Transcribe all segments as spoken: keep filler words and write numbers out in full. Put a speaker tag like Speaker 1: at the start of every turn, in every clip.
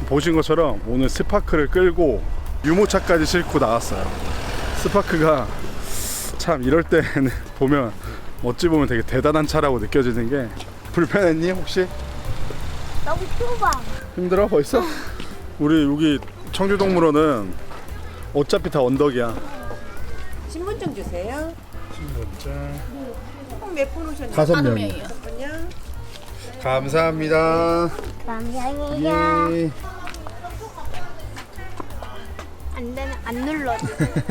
Speaker 1: 보신 것처럼 오늘 스파크를 끌고 유모차까지 싣고 나왔어요. 스파크가 참 이럴 때는 보면 어찌 보면 되게 대단한 차라고 느껴지는 게, 불편했니 혹시?
Speaker 2: 너무 좁아.
Speaker 1: 힘들어 벌써? 우리 여기 청주동물원은 어차피 다 언덕이야.
Speaker 3: 신분증 주세요.
Speaker 1: 신분증
Speaker 3: 몇 분 오셨나요?
Speaker 1: 다섯 명이요.
Speaker 3: 잠깐만요.
Speaker 1: 감사합니다.
Speaker 2: 감사합니다.
Speaker 1: 예.
Speaker 2: 안 되면 안 눌러줘.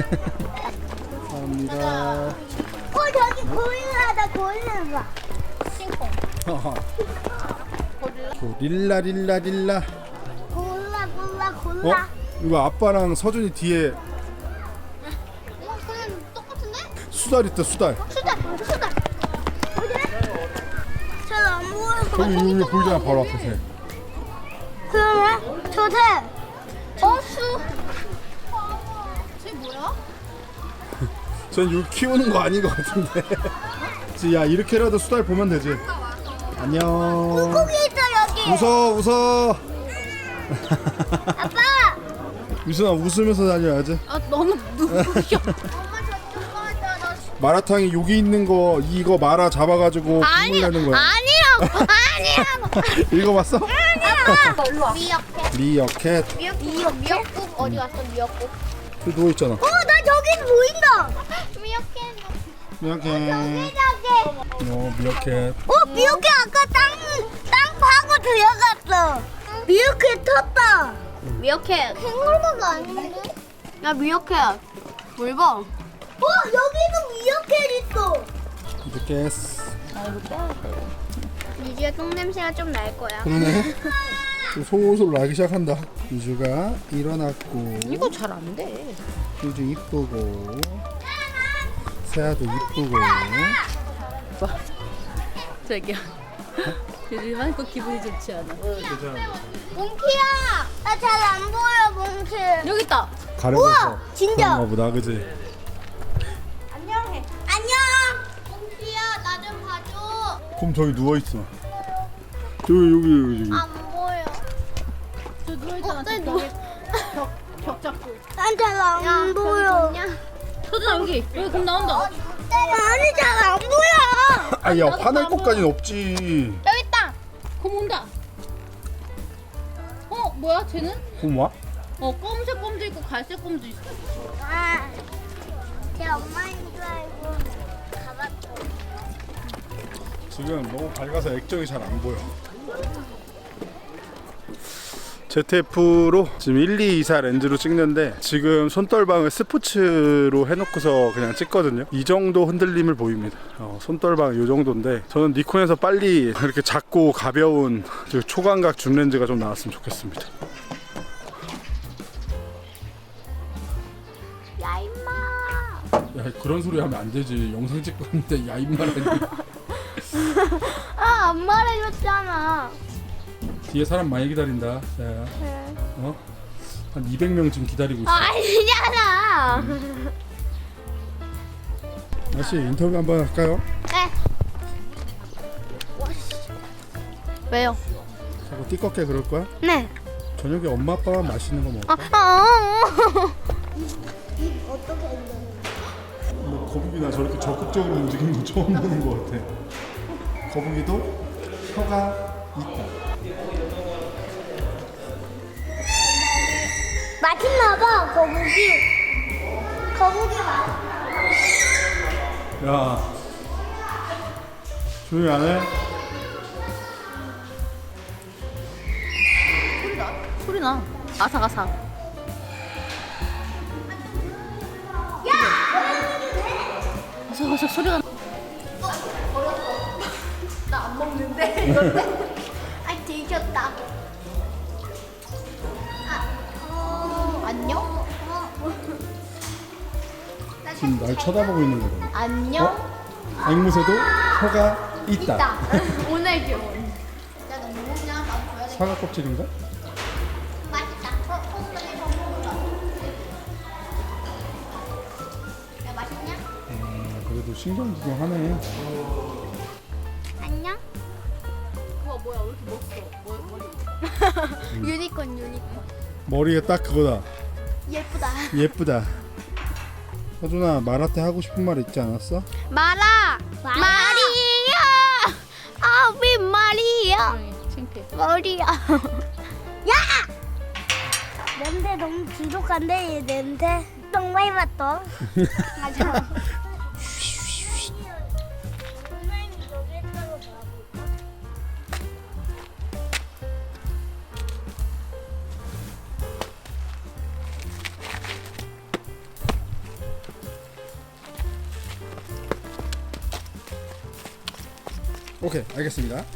Speaker 1: 감사합니다.
Speaker 2: 어 저기 고릴라다 고릴라. 싱콩.
Speaker 1: 릴라 릴라 릴라.
Speaker 2: 골라 골라
Speaker 1: 어?
Speaker 2: 골라.
Speaker 1: 이거 아빠랑 서준이 뒤에
Speaker 2: 어 그냥 똑같은데?
Speaker 1: 수달 있다. 수달.
Speaker 2: 수달 수달. 어디래? 잘안 보여.
Speaker 1: 저기 여기 보이잖아 바로 앞에서.
Speaker 2: 그러네. 저새. 어 수. 쟤 뭐야?
Speaker 1: 전 이거 키우는 거 아닌 것 같은데. 야 이렇게라도 수달 보면 되지. 안녕.
Speaker 2: 물고기 있어 여기.
Speaker 1: 웃어 웃어.
Speaker 2: 아빠.
Speaker 1: 유순아 웃으면서 다녀야지.
Speaker 2: 아 너무 누구야? 엄마 저 좋아한다. 나
Speaker 1: 마라탕이 여기 있는 거 이거 마라 잡아가지고 국물 내는 거야.
Speaker 2: 아니라고 아니라고.
Speaker 1: 읽어봤어?
Speaker 2: 아니라고. 미역캣.
Speaker 1: 리어캣.
Speaker 2: 미역 미역국 어디 갔어 미역국?
Speaker 1: 그 누워 있잖아.
Speaker 2: 어 나 저기 보인다. 미역캣.
Speaker 1: 미어캣.
Speaker 2: 저기.
Speaker 1: 어 미어캣.
Speaker 2: 어 미역캣 아까 땅땅 파고 들어갔어. 미역캣 텄다. 미역캣. 캥거루가 아닌데? 야 미역캣. 뭘 봐? 어 여기도 미역캣 있어.
Speaker 1: 미어캣.
Speaker 2: 유지야 똥 냄새가 좀 날 거야.
Speaker 1: 그러네. 솔솔 나기 시작한다. 유주가 일어났고.
Speaker 3: 이거 잘 안 돼.
Speaker 1: 유주 이쁘고. 세아도 이쁘고.
Speaker 4: 자기야. 요즘 거 기분이 좋지 않아.
Speaker 2: 몽키야, 나 잘 안 보여 몽키.
Speaker 4: 여기 있다.
Speaker 1: 가려져서.
Speaker 2: 우와, 진짜.
Speaker 1: 그런가 보다, 그지?
Speaker 2: 안녕해. 안녕. 몽키야, 나 좀 봐줘.
Speaker 1: 그럼 저기 누워 있어. 저기 여기 여기.
Speaker 2: 안 보여.
Speaker 4: 저 누워 있잖아.
Speaker 2: 어, 나
Speaker 4: 저기 벽, 벽 잡고.
Speaker 2: 난 잘 안 보여.
Speaker 4: 서준아 여기. 여기 금 나온다.
Speaker 2: 아니 잘 안 보여.
Speaker 1: 아야 화낼 것까지는 없지.
Speaker 2: 여기 있다.
Speaker 4: 금 온다. 어 뭐야 쟤는?
Speaker 1: 그럼 와?
Speaker 4: 어 검은색 껌도 있고 갈색 껌도 있어.
Speaker 2: 아, 제 엄마인 줄 알고 가봤어.
Speaker 1: 지금 너무 밝아서 액정이 잘 안 보여. 제트에프로 지금 일, 이, 이, 사 렌즈로 찍는데 지금 손떨방을 스포츠로 해놓고서 그냥 찍거든요. 이 정도 흔들림을 보입니다. 어, 손떨방 이 정도인데 저는 니콘에서 빨리 이렇게 작고 가벼운 초광각 줌 렌즈가 좀 나왔으면 좋겠습니다.
Speaker 2: 야 임마.
Speaker 1: 야 그런 소리 하면 안 되지. 영상 찍고 있는데 야 임마라니.
Speaker 2: 아, 안 말해줬잖아.
Speaker 1: 뒤에 사람 많이 기다린다. 야,
Speaker 2: 네.
Speaker 1: 어? 한 이백 명 지금 기다리고 있어.
Speaker 2: 아니잖아.
Speaker 1: 다시 인터뷰 한번 할까요?
Speaker 2: 네. 왜요?
Speaker 1: 자꾸 띠껍게 그럴 거야?
Speaker 2: 네.
Speaker 1: 저녁에 엄마 아빠랑 맛있는 거 먹어.
Speaker 2: 아, 아, 아. 어떻게
Speaker 1: 뭐 거북이나 저렇게 적극적으로 움직이는 거 처음 보는 것 같아. 거북이도 혀가 있다.
Speaker 2: 맛있나 봐, 거북이. 거북이 맛.
Speaker 1: 야, 조용히 안 해?
Speaker 4: 소리 나. 아삭아삭. 아삭아삭 소리가 나.
Speaker 2: 나 안 먹는데, 이건데? 아, 들켰다. 아, 어, 안녕? 어.
Speaker 1: 지금 날 쳐다보고 있는 거거든.
Speaker 2: 안녕?
Speaker 1: 어? 앵무새도 혀가 있다.
Speaker 2: 있다. 오늘 교훈. 야, 너 뭐 먹냐? 나 줘야 돼.
Speaker 1: 사과 껍질인가?
Speaker 2: 맛있다. 어, 어, 빨리 더 먹어봐. 야, 맛있냐?
Speaker 1: 음, 그래도 신경 구경하네.
Speaker 2: 안녕?
Speaker 4: 우와 뭐야 왜 이렇게 멋있어. 뭐, 머리.
Speaker 2: 유니콘 유니콘.
Speaker 1: 머리가 딱 그거다.
Speaker 2: 예쁘다.
Speaker 1: 예쁘다. 서준아, 마라테 하고 싶은 말 있지 않았어?
Speaker 2: 마라. 마리아. 아비 마리아.
Speaker 4: 창피해.
Speaker 2: 머리야. 야! 냄새 너무 지독한데 얘 냄새. 똥 많이 맡어. 맞아.
Speaker 1: 오케이, 알겠습니다.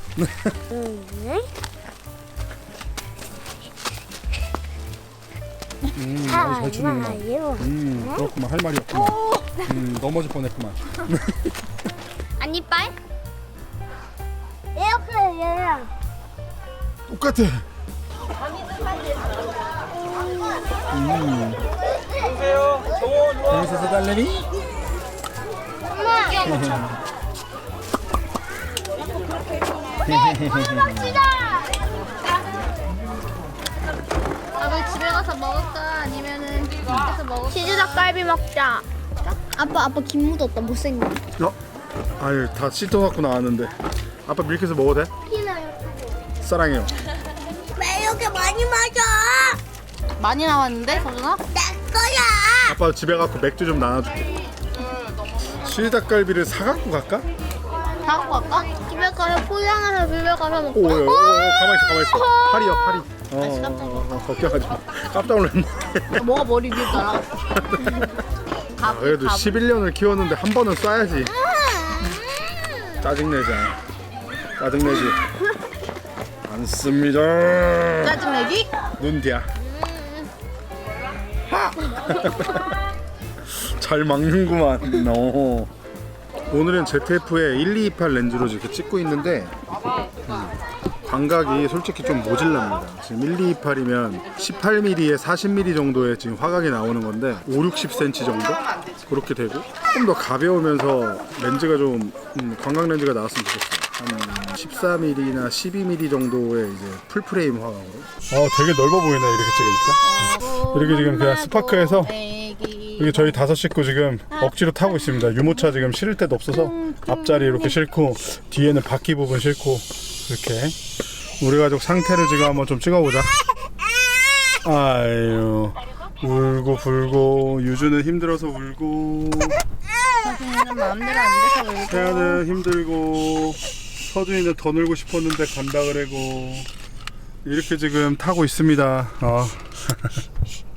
Speaker 1: 음, 아주 잘 추는구나. 음, 그렇구만. 할 말이 없구만. 음, 넘어질 뻔했구만.
Speaker 2: 안 이빨? 이렇게 얘랑.
Speaker 1: 똑같아. 음. 여기서 사달래니?
Speaker 4: 아빠 집에 가서 먹을까? 아니면은 집에서 먹을까?
Speaker 2: 치즈 닭갈비 먹자. 아빠 아빠 김 묻었다 못생겨.
Speaker 1: 어? 아유, 다 씻어갖고 나왔는데. 아빠 밀키스 먹어도 돼? 사랑해요.
Speaker 2: 왜 이렇게 많이 마셔?
Speaker 4: 많이 나왔는데, 서준아?
Speaker 2: 내 거야.
Speaker 1: 아빠 집에 가서 맥주 좀 나눠줄게. 치즈닭갈비를 사갖고 갈까?
Speaker 4: 사갖고 갈까?
Speaker 2: 집에 가서 포장해서 집에 가서 먹고.
Speaker 1: 오, 오, 오, 오, 가만히 있어, 가만히 있어. 팔이요, 팔이. 어,
Speaker 4: 아이씨, 깜짝이야.
Speaker 1: 어, 어, 걱정하지 마. 깜짝 놀랐네.
Speaker 4: 뭐가 머리 위에 날아?
Speaker 1: 아, 그래도 십일 년을 키웠는데 한 번은 쏴야지. 짜증내자. 짜증내지. 안 씁니다.
Speaker 4: 짜증내기?
Speaker 1: 눈디야. 잘 막는구만. 너. 오늘은 제트에프의 일이이팔 렌즈로 이렇게 찍고 있는데 음, 광각이 솔직히 좀 모질랍니다. 지금 일이이팔이면 십팔 밀리미터에 사십 밀리미터 정도의 지금 화각이 나오는 건데 오, 육십 센티미터 정도? 그렇게 되고 조금 더 가벼우면서 렌즈가 좀 음, 광각 렌즈가 나왔으면 좋겠어요. 한 십사 밀리미터나 십이 밀리미터 정도의 이제 풀프레임 화각으로. 어, 되게 넓어 보이네 이렇게 찍으니까. 이렇게 지금 그냥 스파크에서 이게 저희 다섯 식구 지금 억지로 타고 있습니다. 유모차 지금 실을 데도 없어서 앞자리 이렇게 싣고 뒤에는 바퀴 부분 싣고 이렇게 우리 가족 상태를 지금 한번 좀 찍어보자. 아유, 울고 불고 유주는 힘들어서 울고
Speaker 4: 서준이는 마음대로 안 돼서 울고.
Speaker 1: 태아는 힘들고 서준이는 더 놀고 싶었는데 간다 그래고 이렇게 지금 타고 있습니다. 어.